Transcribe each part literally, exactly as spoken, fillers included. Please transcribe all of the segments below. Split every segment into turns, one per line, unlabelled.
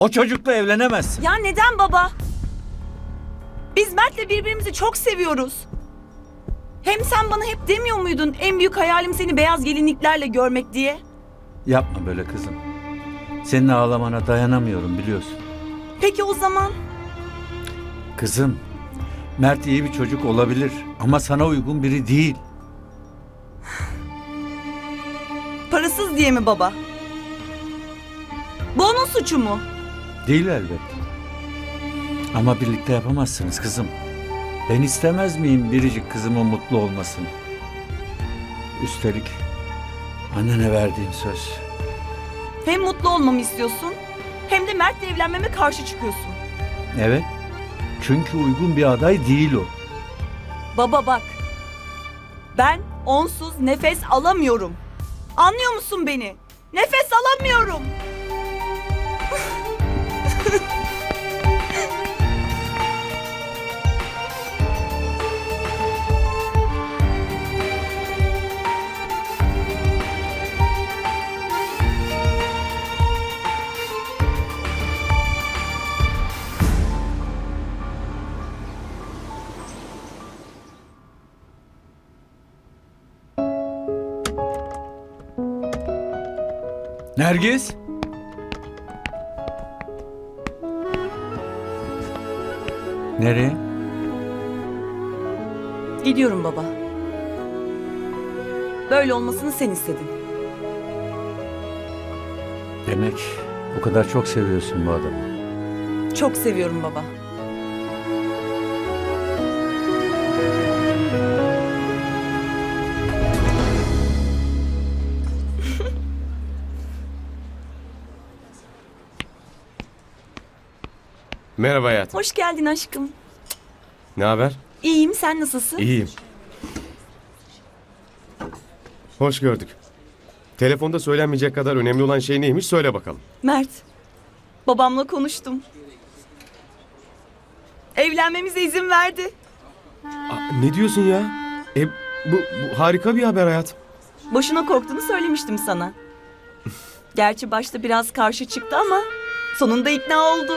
O çocukla evlenemezsin.
Ya neden baba? Biz Mert'le birbirimizi çok seviyoruz. Hem sen bana hep demiyor muydun en büyük hayalim seni beyaz gelinliklerle görmek diye?
Yapma böyle kızım. Senin ağlamana dayanamıyorum biliyorsun.
Peki o zaman?
Kızım, Mert iyi bir çocuk olabilir ama sana uygun biri değil.
Parasız diye mi baba? Bu onun suçu mu?
Değil elbette. Ama birlikte yapamazsınız kızım. Ben istemez miyim biricik kızımın mutlu olmasını? Üstelik annene verdiğim söz.
Hem mutlu olmamı istiyorsun hem de Mert'le evlenmeme karşı çıkıyorsun.
Evet. Çünkü uygun bir aday değil o.
Baba bak. Ben onsuz nefes alamıyorum. Anlıyor musun beni? Nefes alamıyorum.
Nergis? Nereye?
Gidiyorum baba. Böyle olmasını sen istedin.
Demek o kadar çok seviyorsun bu adamı.
Çok seviyorum baba.
Merhaba hayatım.
Hoş geldin aşkım.
Ne haber?
İyiyim, sen nasılsın?
İyiyim. Hoş gördük. Telefonda söylenmeyecek kadar önemli olan şey neymiş söyle bakalım.
Mert, babamla konuştum. Evlenmemize izin verdi.
Aa, ne diyorsun ya? E, bu, bu harika bir haber hayatım.
Boşuna korktuğunu söylemiştim sana. Gerçi başta biraz karşı çıktı ama sonunda ikna oldu.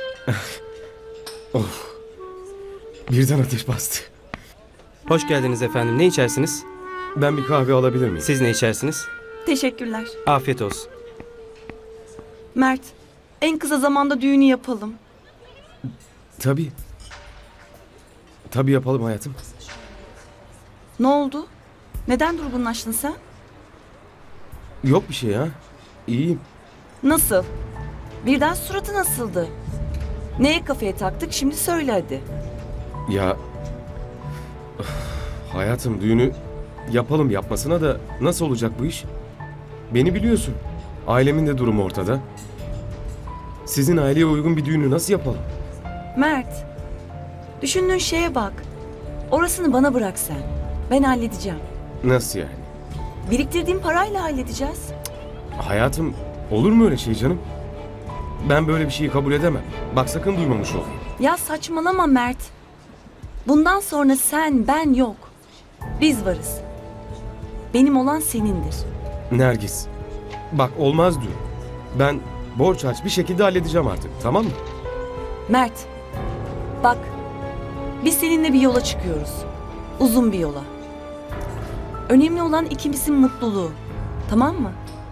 Birden ateş bastı.
Hoş geldiniz efendim. Ne içersiniz?
Ben bir kahve alabilir miyim?
Siz ne içersiniz?
Teşekkürler.
Afiyet olsun.
Mert, en kısa zamanda düğünü yapalım.
Tabii. Tabii yapalım hayatım.
Ne oldu? Neden durgunlaştın sen?
Yok bir şey ya. İyiyim.
Nasıl? Birden suratı nasıldı? Neye kafaya taktık şimdi söyle hadi.
Ya... Öf, hayatım düğünü yapalım yapmasına da nasıl olacak bu iş? Beni biliyorsun. Ailemin de durumu ortada. Sizin aileye uygun bir düğünü nasıl yapalım?
Mert, düşündüğün şeye bak. Orasını bana bırak sen. Ben halledeceğim.
Nasıl yani?
Biriktirdiğim parayla halledeceğiz.
Hayatım olur mu öyle şey canım? Ben böyle bir şeyi kabul edemem. Bak sakın duymamış ol.
Ya saçmalama Mert. Bundan sonra sen, ben yok. Biz varız. Benim olan senindir.
Nergis. Bak olmaz diyor. Ben borç aç bir şekilde halledeceğim artık, tamam mı?
Mert, bak. Biz seninle bir yola çıkıyoruz. Uzun bir yola. Önemli olan ikimizin mutluluğu. Tamam mı?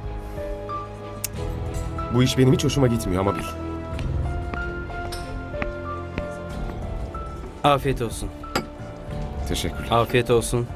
Bu iş benim hiç hoşuma gitmiyor ama bil.
Afiyet olsun.
Teşekkürler.
Afiyet olsun.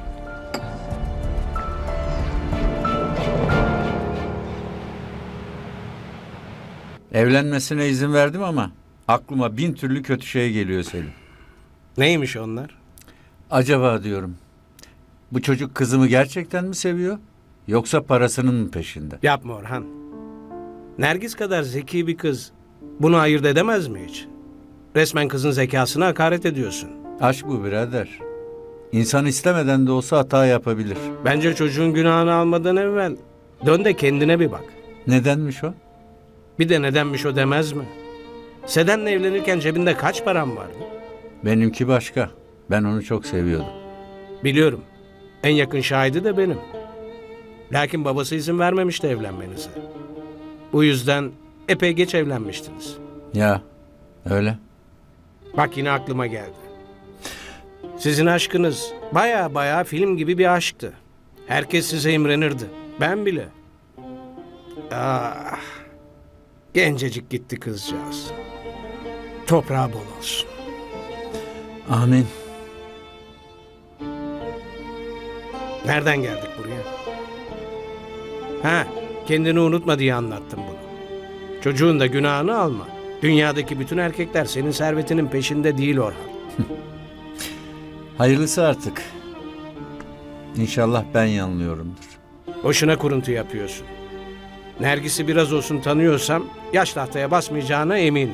Evlenmesine izin verdim ama aklıma bin türlü kötü şey geliyor Selim.
Neymiş onlar?
Acaba diyorum, bu çocuk kızımı gerçekten mi seviyor? Yoksa parasının mı peşinde?
Yapma Orhan. Nergis kadar zeki bir kız bunu ayırt edemez mi hiç? Resmen kızın zekasına hakaret ediyorsun.
Aşk bu birader. İnsan istemeden de olsa hata yapabilir.
Bence çocuğun günahını almadan evvel dön de kendine bir bak.
Nedenmiş o?
Bir de nedenmiş o demez mi? Seden'le evlenirken cebinde kaç param vardı?
Benimki başka. Ben onu çok seviyordum.
Biliyorum. En yakın şahidi de benim. Lakin babası izin vermemişti evlenmenize. Bu yüzden epey geç evlenmiştiniz.
Ya öyle.
Bak yine aklıma geldi. Sizin aşkınız baya baya film gibi bir aşktı. Herkes size imrenirdi. Ben bile. Ah, gencecik gitti kızcağız. Toprağı bol olsun.
Amin.
Nereden geldik buraya? Ha, kendini unutma diye anlattım bunu. Çocuğun da günahını alma. Dünyadaki bütün erkekler senin servetinin peşinde değil Orhan.
Hayırlısı artık. İnşallah ben yanılıyorumdur.
Boşuna kuruntu yapıyorsun. Nergis'i biraz olsun tanıyorsam yaş tahtaya basmayacağına eminim.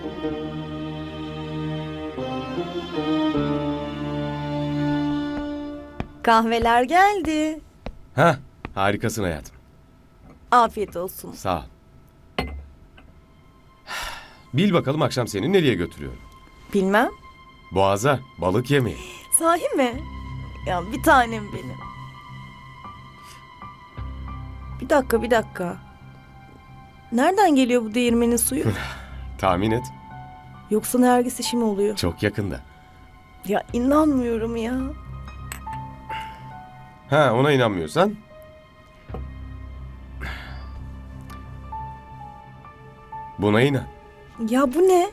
Kahveler geldi.
Hah, harikasın hayatım.
Afiyet olsun.
Sağ ol. Bil bakalım akşam seni nereye götürüyorum?
Bilmem.
Boğaza, balık yemeği.
Sahi mi? Ya bir tanem benim. Bir dakika bir dakika. Nereden geliyor bu değirmenin suyu?
Tahmin et.
Yoksa Nergis işi mi oluyor?
Çok yakında.
Ya inanmıyorum ya.
Ha, ona inanmıyorsan. Buna inan.
Ya bu ne?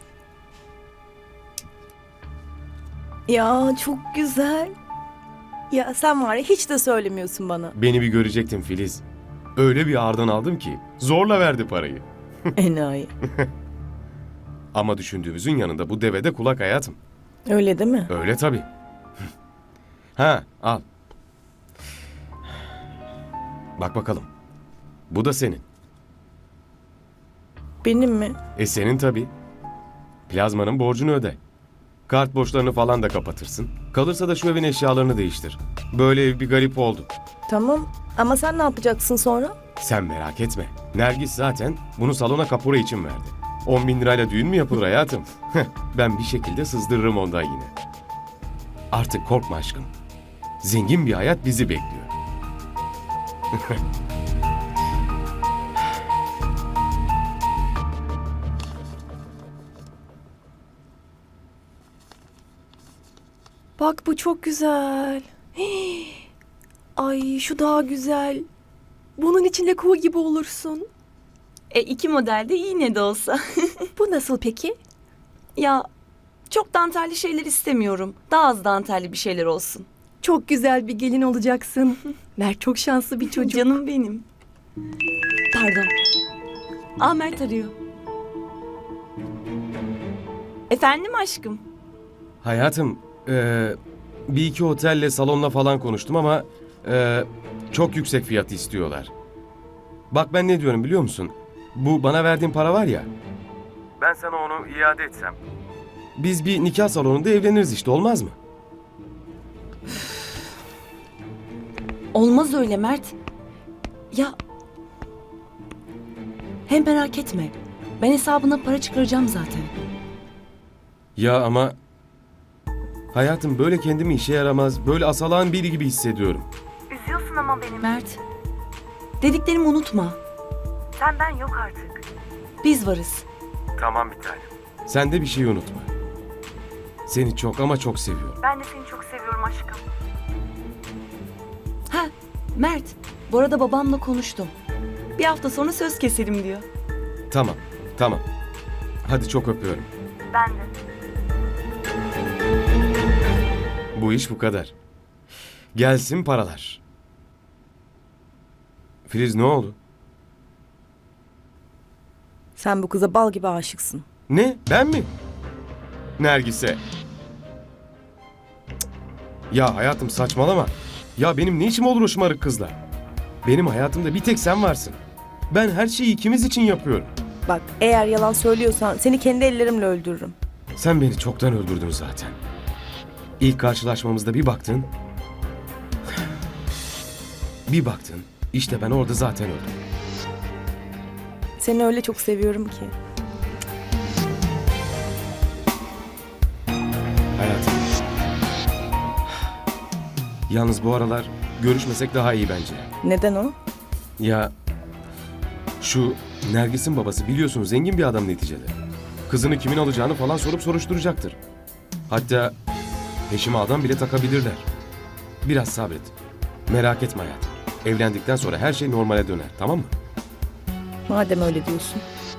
Ya çok güzel. Ya sen var ya hiç de söylemiyorsun bana.
Beni bir görecektin Filiz. Öyle bir ağırdan aldım ki zorla verdi parayı.
Enayi.
Ama düşündüğümüzün yanında bu devede kulak hayatım.
Öyle değil mi?
Öyle tabii. Ha, al. Bak bakalım. Bu da senin.
Benim mi?
E senin tabii. Plazmanın borcunu öde. Kart borçlarını falan da kapatırsın. Kalırsa da şu evin eşyalarını değiştir. Böyle ev bir garip oldu.
Tamam. Ama sen ne yapacaksın sonra?
Sen merak etme. Nergis zaten bunu salona kapora için verdi. on bin lirayla düğün mü yapılır hayatım? Ben bir şekilde sızdırırım ondan yine. Artık korkma aşkım. Zengin bir hayat bizi bekliyor.
Bak bu çok güzel. Hii. Ay şu daha güzel. Bunun içinde kuğu gibi olursun.
E iki model de iğne de olsa.
Bu nasıl peki?
Ya çok dantelli şeyler istemiyorum. Daha az dantelli bir şeyler olsun.
Çok güzel bir gelin olacaksın. Mert çok şanslı bir çocuk.
Canım benim. Pardon. Aa Mert arıyor. Efendim aşkım.
Hayatım, eee, bir iki otelle salonla falan konuştum ama eee, çok yüksek fiyat istiyorlar. Bak ben ne diyorum biliyor musun? Bu bana verdiğin para var ya. Ben sana onu iade etsem. Biz bir nikah salonunda evleniriz işte, olmaz mı?
Olmaz öyle Mert. Ya hem merak etme. Ben hesabına para çıkaracağım zaten.
Ya ama hayatım böyle kendimi işe yaramaz, böyle asalağın biri gibi hissediyorum.
Üzüyorsun ama beni Mert. Dediklerimi unutma.
Sen ben yok artık.
Biz varız.
Tamam bir tanem. Sen de bir şey unutma. Seni çok ama çok seviyorum.
Ben de seni çok seviyorum aşkım.
Ha Mert. Bu arada babamla konuştum. Bir hafta sonra söz keselim diyor.
Tamam, tamam. Hadi çok öpüyorum.
Ben de.
Bu iş bu kadar. Gelsin paralar. Filiz ne oldu?
Sen bu kıza bal gibi aşıksın.
Ne? Ben mi? Nergis'e. Cık. Ya hayatım saçmalama. Ya benim ne işim olur o şımarık kızla? Benim hayatımda bir tek sen varsın. Ben her şeyi ikimiz için yapıyorum.
Bak eğer yalan söylüyorsan seni kendi ellerimle öldürürüm.
Sen beni çoktan öldürdün zaten. İlk karşılaşmamızda bir baktın. Bir baktın. İşte ben orada zaten öldüm.
Seni öyle çok seviyorum ki.
Hayatım. Yalnız bu aralar görüşmesek daha iyi bence.
Neden o?
Ya şu Nergis'in babası biliyorsun zengin bir adam neticede. Kızını kimin alacağını falan sorup soruşturacaktır. Hatta peşime adam bile takabilirler. Biraz sabret. Merak etme hayatım. Evlendikten sonra her şey normale döner, tamam mı?
Madem öyle diyorsun.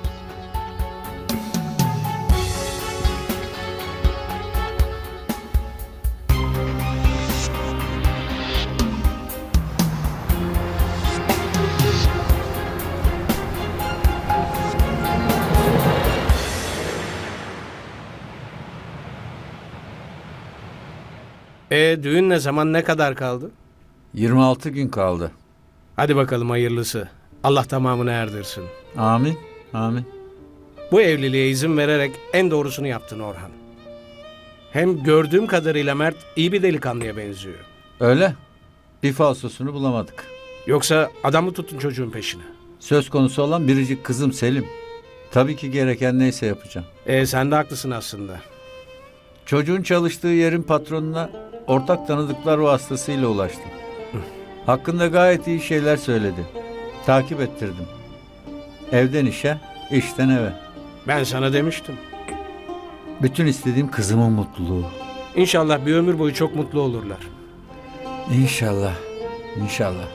E düğün ne zaman, ne kadar kaldı?
yirmi altı gün kaldı.
Hadi bakalım hayırlısı. Allah tamamını erdirsin.
Amin, amin.
Bu evliliğe izin vererek en doğrusunu yaptın Orhan. Hem gördüğüm kadarıyla Mert iyi bir delikanlıya benziyor.
Öyle. Bir falsosunu bulamadık.
Yoksa adam mı tuttun çocuğun peşine?
Söz konusu olan biricik kızım Selim. Tabii ki gereken neyse yapacağım.
E sen de haklısın aslında.
Çocuğun çalıştığı yerin patronuna ortak tanıdıklar vasıtasıyla ulaştım. Hakkında gayet iyi şeyler söyledi. Takip ettirdim. Evden işe, işten eve.
Ben sana demiştim.
Bütün istediğim kızımın mutluluğu.
İnşallah bir ömür boyu çok mutlu olurlar.
İnşallah, inşallah.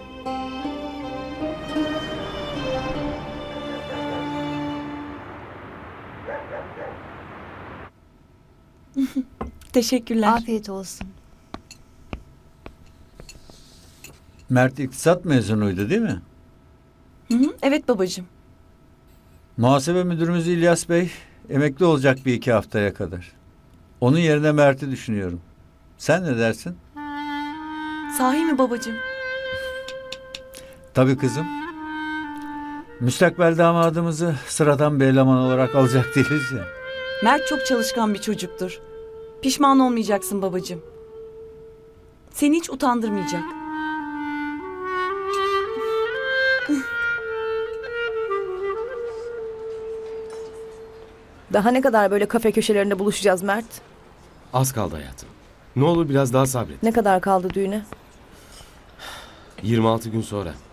Teşekkürler.
Afiyet olsun.
Mert iktisat mezunuydu değil mi?
Hı hı, evet babacığım.
Muhasebe müdürümüz İlyas Bey emekli olacak bir iki haftaya kadar. Onun yerine Mert'i düşünüyorum. Sen ne dersin?
Sahi mi babacığım?
Tabii kızım. Müstakbel damadımızı sıradan bir eleman olarak alacak değiliz ya.
Mert çok çalışkan bir çocuktur. Pişman olmayacaksın babacığım. Seni hiç utandırmayacak.
Daha ne kadar böyle kafe köşelerinde buluşacağız Mert?
Az kaldı hayatım. Ne olur biraz daha sabret.
Ne kadar kaldı düğüne?
yirmi altı gün sonra. Cık,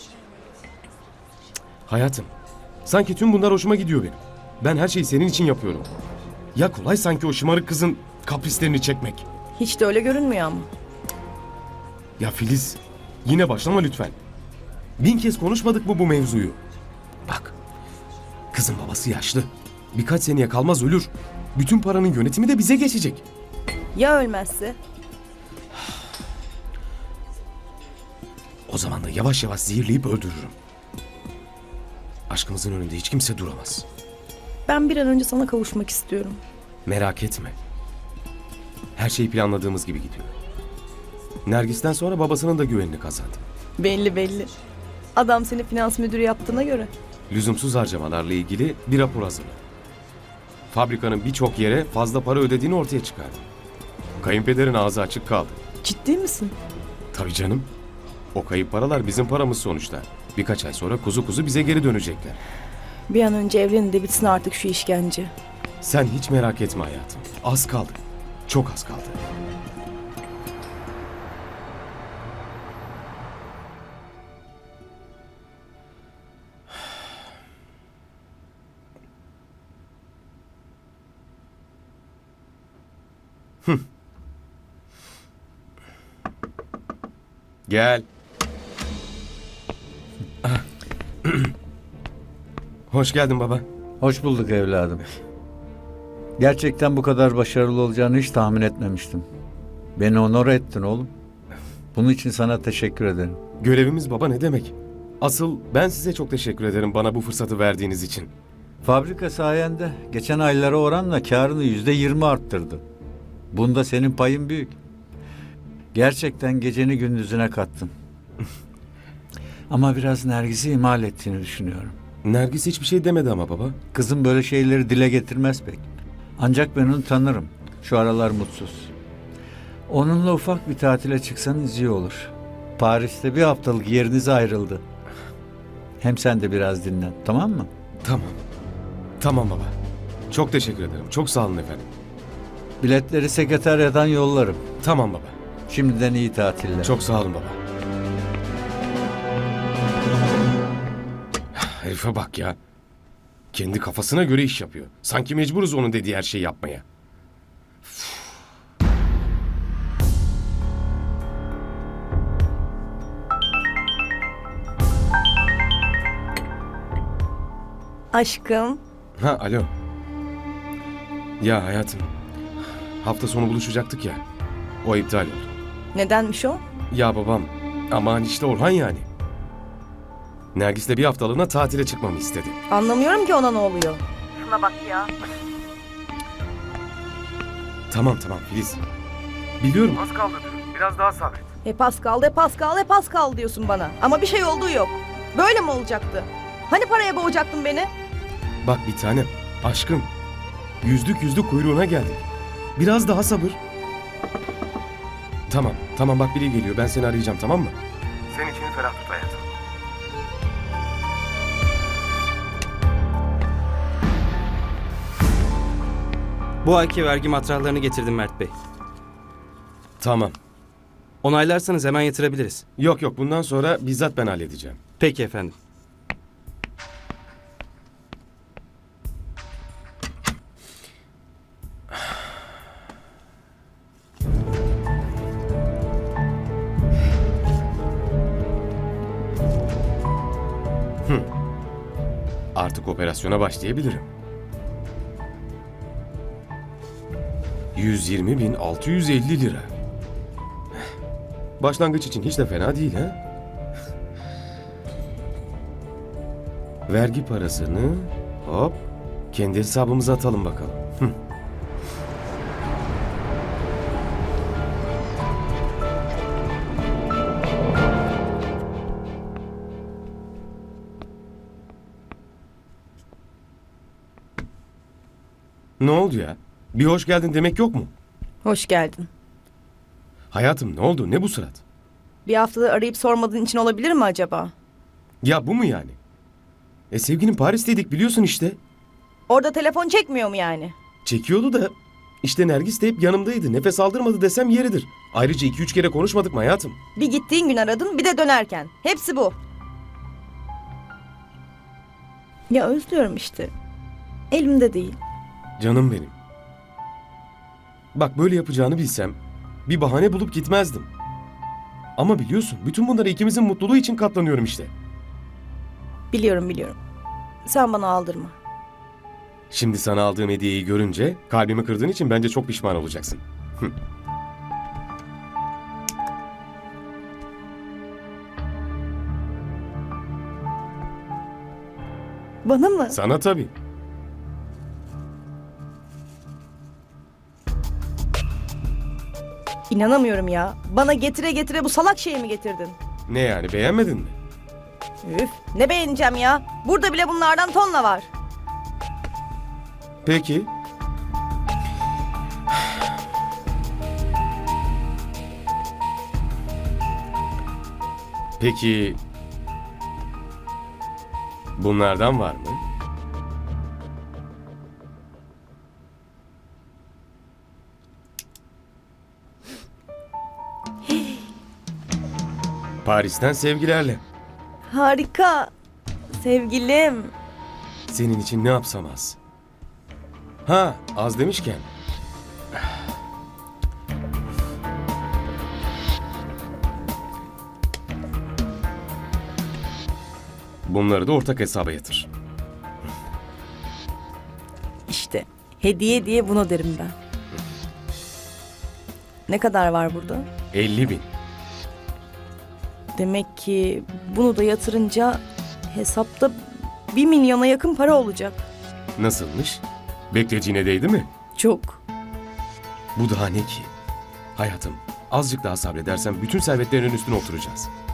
hayatım, sanki tüm bunlar hoşuma gidiyor benim. Ben her şeyi senin için yapıyorum. Ya kolay sanki o şımarık kızın kaprislerini çekmek.
Hiç de öyle görünmüyor ama.
Ya Filiz, yine başlama lütfen. Bin kez konuşmadık mı bu mevzuyu? Bak, kızın babası yaşlı. Birkaç seneye kalmaz ölür. Bütün paranın yönetimi de bize geçecek.
Ya ölmezse?
O zaman da yavaş yavaş zehirleyip öldürürüm. Aşkımızın önünde hiç kimse duramaz.
Ben bir an önce sana kavuşmak istiyorum.
Merak etme. Her şey planladığımız gibi gidiyor. Nergis'ten sonra babasının da güvenini kazandım.
Belli belli. Adam seni finans müdürü yaptığına göre.
Lüzumsuz harcamalarla ilgili bir rapor hazırladı. Fabrikanın birçok yere fazla para ödediğini ortaya çıkardı. Kayınpederin ağzı açık kaldı.
Ciddi misin?
Tabii canım. O kayıp paralar bizim paramız sonuçta. Birkaç ay sonra kuzu kuzu bize geri dönecekler.
Bir an önce evlenin de bitsin artık şu işkence.
Sen hiç merak etme hayatım. Az kaldı. Çok az kaldı. Hı. Gel. Hoş geldin baba.
Hoş bulduk evladım. Gerçekten bu kadar başarılı olacağını hiç tahmin etmemiştim. Beni onore ettin oğlum. Bunun için sana teşekkür ederim.
Görevimiz baba ne demek? Asıl ben size çok teşekkür ederim bana bu fırsatı verdiğiniz için.
Fabrika sayende geçen aylara oranla karını yüzde yirmi arttırdı. Bunda senin payın büyük. Gerçekten geceni gündüzüne kattın. Ama biraz Nergis'i ihmal ettiğini düşünüyorum.
Nergis hiçbir şey demedi ama baba.
Kızım böyle şeyleri dile getirmez pek. Ancak ben onu tanırım. Şu aralar mutsuz. Onunla ufak bir tatile çıksanız iyi olur. Paris'te bir haftalık yeriniz ayrıldı. Hem sen de biraz dinlen, tamam mı?
Tamam. Tamam baba. Çok teşekkür ederim. Çok sağ olun efendim.
Biletleri sekreteryadan yollarım.
Tamam baba.
Şimdiden iyi tatiller.
Çok sağ olun baba. Herife bak ya. Kendi kafasına göre iş yapıyor. Sanki mecburuz onun dediği her şeyi yapmaya.
Aşkım.
Ha alo. Ya hayatım. Hafta sonu buluşacaktık ya. O iptal oldu.
Nedenmiş o?
Ya babam. Aman işte Orhan yani. Nergis'le bir haftalığına tatile çıkmamı istedi.
Anlamıyorum ki ona ne oluyor.
Şuna bak ya.
Tamam tamam Filiz. Biliyorum.
Az kaldı diyorum. Biraz daha sabret.
Hep az kaldı, hep az kaldı, hep az kaldı diyorsun bana. Ama bir şey olduğu yok. Böyle mi olacaktı? Hani paraya boğacaktın beni?
Bak bir tanem. Aşkım. Yüzlük yüzlük kuyruğuna geldik. Biraz daha sabır. Tamam. Tamam bak biri geliyor. Ben seni arayacağım tamam mı?
Senin içini ferah tut hayatım.
Bu ayki vergi matrahlarını getirdim Mert Bey.
Tamam.
Onaylarsanız hemen yatırabiliriz.
Yok yok bundan sonra bizzat ben halledeceğim.
Peki efendim.
Artık operasyona başlayabilirim. yüz yirmi bin altı yüz elli lira. Başlangıç için hiç de fena değil ha? Vergi parasını hop kendi hesabımıza atalım bakalım. Hı. Ne oldu ya? Bir hoş geldin demek yok mu?
Hoş geldin.
Hayatım ne oldu? Ne bu surat?
Bir haftadır arayıp sormadığın için olabilir mi acaba?
Ya bu mu yani? E sevginin Paris'teydik biliyorsun işte.
Orada telefon çekmiyor mu yani?
Çekiyordu da işte Nergis de hep yanımdaydı. Nefes aldırmadı desem yeridir. Ayrıca iki üç kere konuşmadık mı hayatım?
Bir gittiğin gün aradın, bir de dönerken. Hepsi bu. Ya özlüyorum işte. Elimde değil.
Canım benim. Bak böyle yapacağını bilsem bir bahane bulup gitmezdim. Ama biliyorsun bütün bunlara ikimizin mutluluğu için katlanıyorum işte.
Biliyorum biliyorum. Sen bana aldırma.
Şimdi sana aldığım hediyeyi görünce kalbimi kırdığın için bence çok pişman olacaksın. Hı.
Bana mı?
Sana tabii.
İnanamıyorum ya. Bana getire getire bu salak şeyi mi getirdin?
Ne yani beğenmedin mi?
Üf, ne beğeneceğim ya? Burada bile bunlardan tonla var.
Peki. Peki bunlardan var mı? Paris'ten sevgilerle.
Harika. Sevgilim.
Senin için ne yapsam az. Ha, az demişken. Bunları da ortak hesaba yatır.
İşte hediye diye bunu derim ben. Ne kadar var burada?
elli bin.
Demek ki bunu da yatırınca hesapta bir milyona yakın para olacak.
Nasılmış? Beklediğine değdi mi?
Çok.
Bu daha ne ki? Hayatım, azıcık daha sabredersen bütün servetlerin üstüne oturacağız.